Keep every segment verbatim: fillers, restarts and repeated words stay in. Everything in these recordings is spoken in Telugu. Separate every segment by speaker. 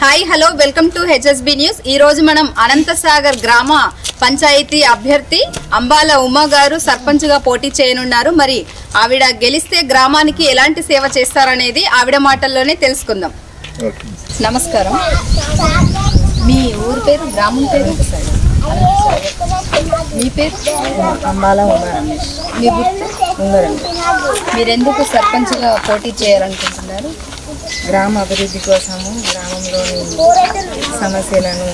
Speaker 1: Hi hello welcome to HSB news. ఈ రోజు మనం అనంతసాగర్ గ్రామ పంచాయతీ అభ్యర్థి అంబాల ఉమా గారు సర్పంచ్గా పోటీ చేయనున్నారు. మరి ఆవిడ గెలిస్తే గ్రామానికి ఎలాంటి సేవ చేస్తారనేది ఆవిడ మాటల్లోనే తెలుసుకుందాం. నమస్కారం. మీ ఊరు పేరు, గ్రామం పేరు? మీ పేరు?
Speaker 2: అంబాల ఉమా రమేష్.
Speaker 1: మీ గుర్తు?
Speaker 2: ఉంగరండి.
Speaker 1: మీరెందుకు సర్పంచ్గా పోటీ చేయాలనుకుంటున్నారు?
Speaker 2: గ్రామ అభివృద్ధి కోసము గ్రామంలోని సమస్యలను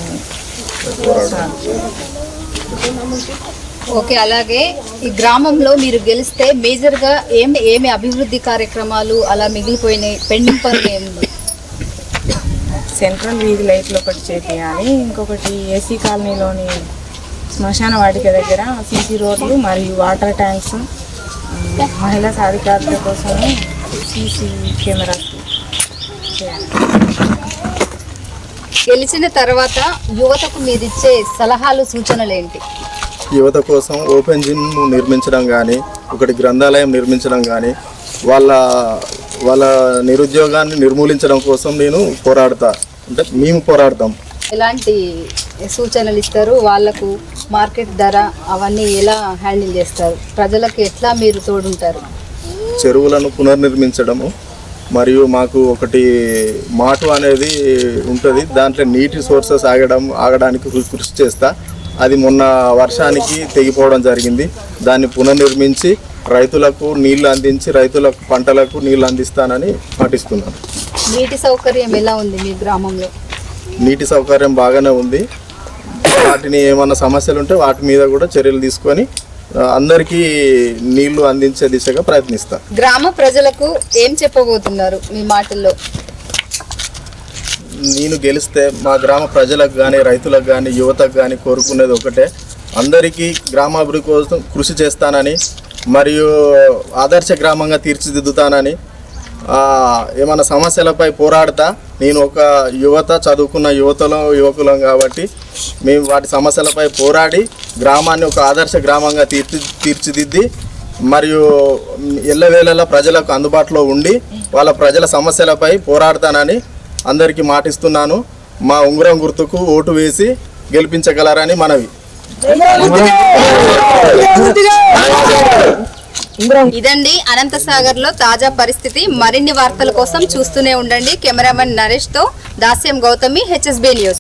Speaker 1: ఓకే. అలాగే ఈ గ్రామంలో మీరు గెలిస్తే మేజర్గా ఏమి ఏమి అభివృద్ధి కార్యక్రమాలు అలా మిగిలిపోయినాయి, పెండింగ్ పనులు ఏమి?
Speaker 2: సెంట్రల్ వీధి లైట్లు ఒకటి చేయాలి, ఇంకొకటి ఏసీ కాలనీలోని శ్మశాన వాటిక దగ్గర సీసీ రోడ్లు మరియు వాటర్ ట్యాంక్స్, మహిళా సాధికారత కోసము సీసీ కెమెరాస్.
Speaker 1: గెలిచిన తర్వాత యువతకు మీరు ఇచ్చే సలహాలు, సూచనలు ఏంటి?
Speaker 3: యువత కోసం ఓపెన్ జిమ్ నిర్మించడం కానీ, ఒకటి గ్రంథాలయం నిర్మించడం కానీ, వాళ్ళ వాళ్ళ నిరుద్యోగాన్ని నిర్మూలించడం కోసం నేను పోరాడతా, అంటే మేము పోరాడతాం.
Speaker 1: ఎలాంటి సూచనలు ఇస్తారు? వాళ్ళకు మార్కెట్ ధర అవన్నీ ఎలా హ్యాండిల్ చేస్తారు? ప్రజలకు ఎట్లా మీరు తోడుంటారు?
Speaker 3: చెరువులను పునర్నిర్మించడము, మరియు మాకు ఒకటి మాటు అనేది ఉంటుంది, దాంట్లో నీటి సోర్సెస్ ఆగడం ఆగడానికి కృషి చేస్తా. అది మొన్న వర్షానికి తెగిపోవడం జరిగింది. దాన్ని పునర్నిర్మించి రైతులకు నీళ్లు అందించి రైతులకు పంటలకు నీళ్లు అందిస్తానని పాటిస్తున్నాను.
Speaker 1: నీటి సౌకర్యం ఎలా ఉంది మీ గ్రామంలో?
Speaker 3: నీటి సౌకర్యం బాగానే ఉంది. వాటిని ఏమన్నా సమస్యలు ఉంటే వాటి మీద కూడా చర్యలు తీసుకొని అందరికీ నీళ్లు అందించే దిశగా ప్రయత్నిస్తా.
Speaker 1: గ్రామ ప్రజలకు ఏం చెప్పబోతున్నారు మీ మాటల్లో?
Speaker 3: నేను గెలిస్తే మా గ్రామ ప్రజలకు కానీ, రైతులకు కానీ, యువతకు కానీ కోరుకునేది ఒకటే, అందరికీ గ్రామాభివృద్ధి కోసం కృషి చేస్తానని, మరియు ఆదర్శ గ్రామంగా తీర్చిదిద్దుతానని, ఏమైనా సమస్యలపై పోరాడతా. నేను ఒక యువత, చదువుకున్న యువతలో యువకులం కాబట్టి మేము వాటి సమస్యలపై పోరాడి గ్రామాన్ని ఒక ఆదర్శ గ్రామంగా తీర్చి తీర్చిదిద్ది మరియు ఎల్లవేళలా ప్రజలకు అందుబాటులో ఉండి వాళ్ళ ప్రజల సమస్యలపై పోరాడతానని అందరికీ మాటిస్తున్నాను. మా ఉంగరం గుర్తుకు ఓటు వేసి గెలిపించగలరని మనవి.
Speaker 1: ఇదండి అనంతసాగర్ లో తాజా పరిస్థితి. మరిన్ని వార్తల కోసం చూస్తూనే ఉండండి. కెమెరామెన్ నరేష్ తో దాస్యం గౌతమి, హెచ్ఎస్బి న్యూస్.